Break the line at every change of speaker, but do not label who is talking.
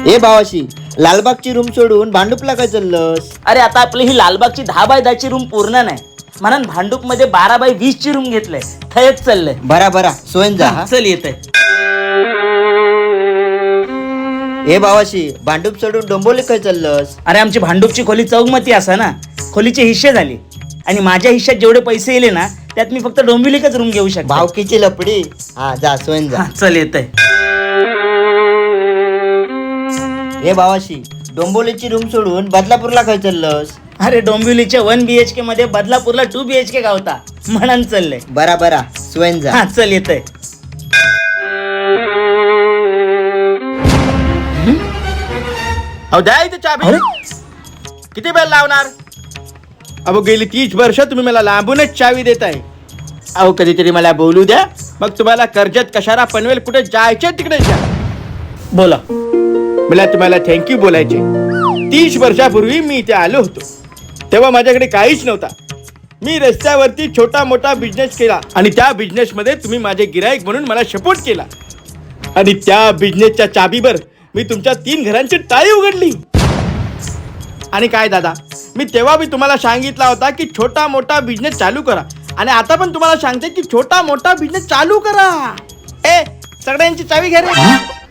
ए भावाशी, लालबागची रूम सोडून भांडुपला काय चाललंस?
अरे आता आपली ही लालबागची 10x10 ची रूम पूर्ण नाही म्हणून भांडूप मध्ये 12x20 ची रूम घेतलंय. थयच चाललंय.
बरा सोयन जा हा.
चल येतंय.
ए भावाशी, भांडूप सोडून डोंबोली काय चाललंस?
अरे आमची भांडूपची खोली चौमती असा ना, खोलीचे हिस्से झाले आणि माझ्या हिश्श्यात जेवढे पैसे येले ना त्यात मी फक्त डोंबिवलीकच रूम घेऊ शकतो.
भावकीची लपडी. हा जा सोयन जा.
चल येतंय.
ए भावाशी, डोंबोलीची रूम सोडून बदलापूरला काय चाललंस?
अरे डोंबिवलीच्या 1 BHK मध्ये बदलापूरला 2 BHK गावता म्हणून चाललंय.
बरा सोयन जा.
चल येतंय.
अहो द्या इथे चाबी.
अरे
किती वेळ लावणार? अहो गेली 30 वर्ष तुम्ही मला लांबूनच चावी देताय. अहो कधीतरी मला बोलू द्या, मग तुम्हाला कर्जत कशाला पनवेल कुठे जायचे तिकडे जा.
बोला.
मला तुम्हाला थँक्यू बोलायचे. 30 वर्षापूर्वी मी इथे आलो होतो तेव्हा माझ्याकडे काहीच नव्हता. मी रस्त्यावरती छोटा मोठा बिझनेस केला आणि त्या बिझनेस मध्ये तुम्ही माझे गिराईक म्हणून मला सपोर्ट केला आणि त्या बिझनेसच्या चाबीवर मी तुमच्या 3 घरांची टाळी उघडली. आणि काय दादा, मी तेव्हा मी तुम्हाला सांगितला होता की छोटा मोठा बिझनेस चालू करा आणि आता पण तुम्हाला सांगते की छोटा मोठा बिझनेस चालू करा. ए सगळ्यांची चावी घ्या रे.